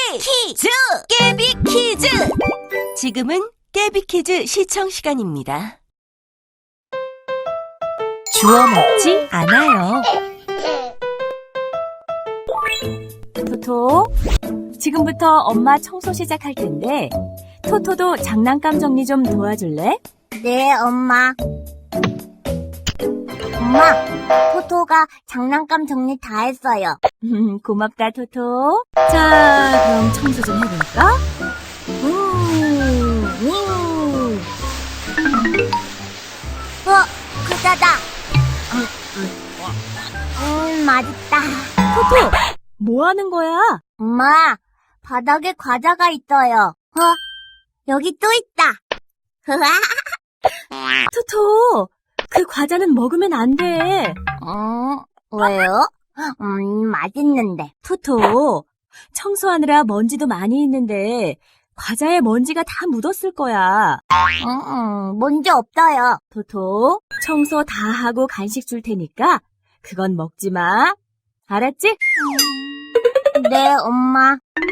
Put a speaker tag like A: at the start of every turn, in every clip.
A: 퀴즈! 깨비 퀴즈! 지금은 깨비 퀴즈 시청 시간입니다.
B: 주워 먹지 않아요. 토토, 지금부터 엄마 청소 시작할 텐데 토토도 장난감 정리 좀 도와줄래?
C: 네, 엄마. 엄마, 토토가 장난감 정리 다 했어요.
B: 고맙다, 토토. 자, 그럼 청소 좀 해볼까?
C: 과자다. 맛있다.
B: 토토, 뭐 하는 거야?
C: 엄마, 바닥에 과자가 있어요. 여기 또 있다.
B: 토토, 그 과자는 먹으면 안 돼.
C: 왜요? 맛있는데.
B: 토토, 청소하느라 먼지도 많이 있는데 과자에 먼지가 다 묻었을 거야.
C: 먼지 없어요.
B: 토토, 청소 다 하고 간식 줄 테니까 그건 먹지 마. 알았지?
C: 네, 엄마.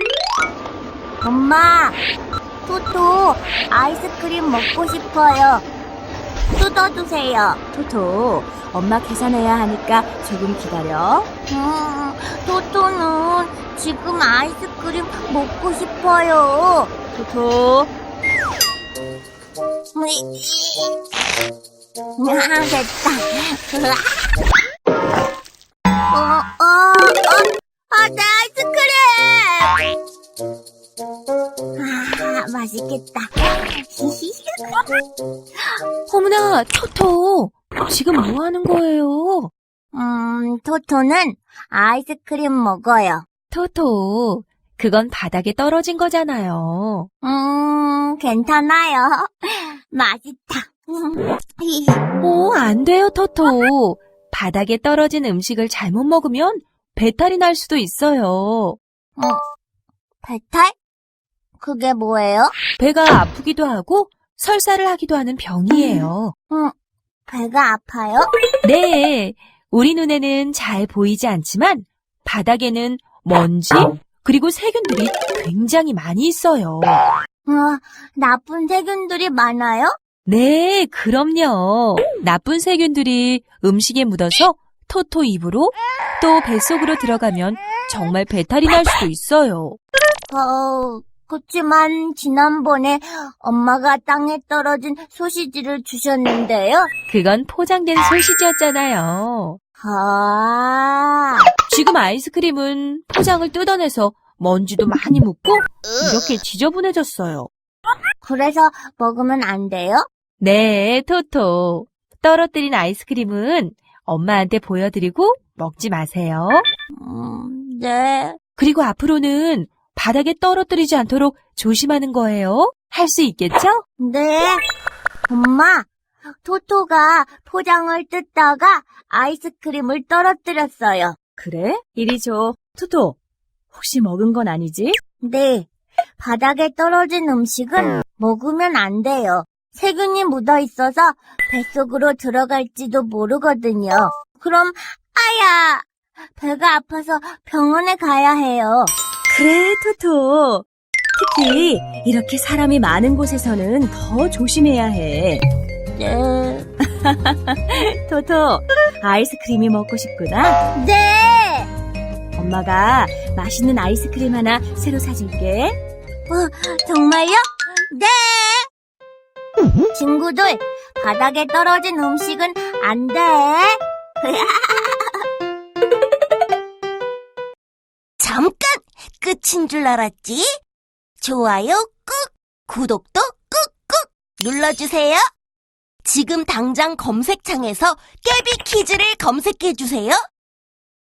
C: 엄마, 토토 아이스크림 먹고 싶어요. 뜯어주세요.
B: 토토, 엄마 계산해야 하니까 조금 기다려.
C: 토토는 지금 아이스크림 먹고 싶어요.
B: 토토,
C: 됐다. 내 아이스크림! 맛있겠다.
B: 어머나, 토토, 지금 뭐 하는 거예요?
C: 토토는 아이스크림 먹어요.
B: 토토, 그건 바닥에 떨어진 거잖아요.
C: 괜찮아요. 맛있다.
B: 안 돼요, 토토. 바닥에 떨어진 음식을 잘못 먹으면 배탈이 날 수도 있어요.
C: 배탈? 그게 뭐예요?
B: 배가 아프기도 하고 설사를 하기도 하는 병이에요.
C: 배가 아파요?
B: 네, 우리 눈에는 잘 보이지 않지만 바닥에는 먼지 그리고 세균들이 굉장히 많이 있어요.
C: 나쁜 세균들이 많아요?
B: 네, 그럼요. 나쁜 세균들이 음식에 묻어서 토토 입으로 또 뱃속으로 들어가면 정말 배탈이 날 수도 있어요.
C: 그치만 지난번에 엄마가 땅에 떨어진 소시지를 주셨는데요.
B: 그건 포장된 소시지였잖아요. 지금 아이스크림은 포장을 뜯어내서 먼지도 많이 묻고 이렇게 지저분해졌어요.
C: 그래서 먹으면 안 돼요?
B: 네, 토토. 떨어뜨린 아이스크림은 엄마한테 보여드리고 먹지 마세요.
C: 네.
B: 그리고 앞으로는 바닥에 떨어뜨리지 않도록 조심하는 거예요. 할 수 있겠죠?
C: 네. 엄마, 토토가 포장을 뜯다가 아이스크림을 떨어뜨렸어요.
B: 그래? 이리 줘. 토토, 혹시 먹은 건 아니지?
C: 네. 바닥에 떨어진 음식은 먹으면 안 돼요. 세균이 묻어 있어서 뱃속으로 들어갈지도 모르거든요. 그럼 배가 아파서 병원에 가야 해요.
B: 그래, 토토. 특히 이렇게 사람이 많은 곳에서는 더 조심해야 해.
C: 네.
B: 토토, 아이스크림이 먹고 싶구나?
C: 네.
B: 엄마가 맛있는 아이스크림 하나 새로 사줄게.
C: 정말요? 네. 친구들, 바닥에 떨어진 음식은 안 돼.
A: 잠깐! 끝인 줄 알았지? 좋아요 꾹! 구독도 꾹꾹! 눌러주세요. 지금 당장 검색창에서 깨비 퀴즈를 검색해주세요.